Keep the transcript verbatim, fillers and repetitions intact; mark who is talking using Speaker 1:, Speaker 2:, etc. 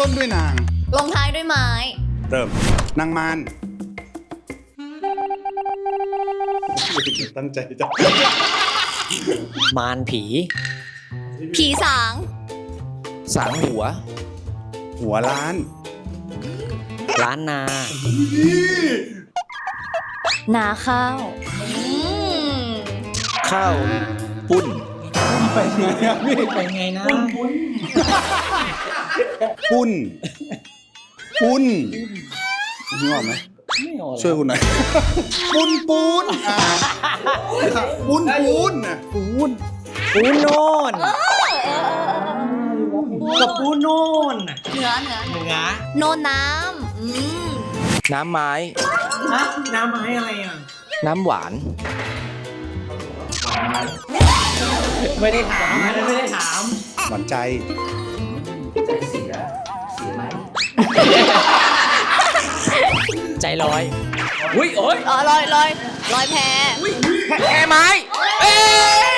Speaker 1: ต้นด้วยนาง
Speaker 2: ลงท้ายด้วยไม้
Speaker 1: เริ่มนางมารตั้งใจจัง
Speaker 3: มารผี
Speaker 2: ผีสาง
Speaker 3: สางหัว
Speaker 1: หัวล้าน
Speaker 3: ล้านนา
Speaker 2: นาข้าวอืม
Speaker 3: ข้าวปุ้น
Speaker 1: ไปไงอะพี่
Speaker 3: ไปไงนะ
Speaker 1: ปุ้นปุ้นนึกออกไหม
Speaker 3: ไม่ออก
Speaker 1: ช่วยคุณหน่อยปุ้นปูนอ่าปุ้นปูนนะ
Speaker 3: ปูนปูนโน่นกับปูนโน่น
Speaker 2: เหนือเหนือ
Speaker 3: เหนือ
Speaker 2: โนนน้ำอืม
Speaker 3: น้ำไม้
Speaker 4: ฮะน้ำไม้อะไรอ่ะ
Speaker 3: น้ำหวาน
Speaker 4: ไม่ได้ถามอันนั้นไม่ได้ถาม
Speaker 1: หวานใจ
Speaker 3: ใจลอย อุ้ยโอ้ย
Speaker 2: อ๋อลอยลอยลอยแพ
Speaker 3: แค่ไม้ เอ้ย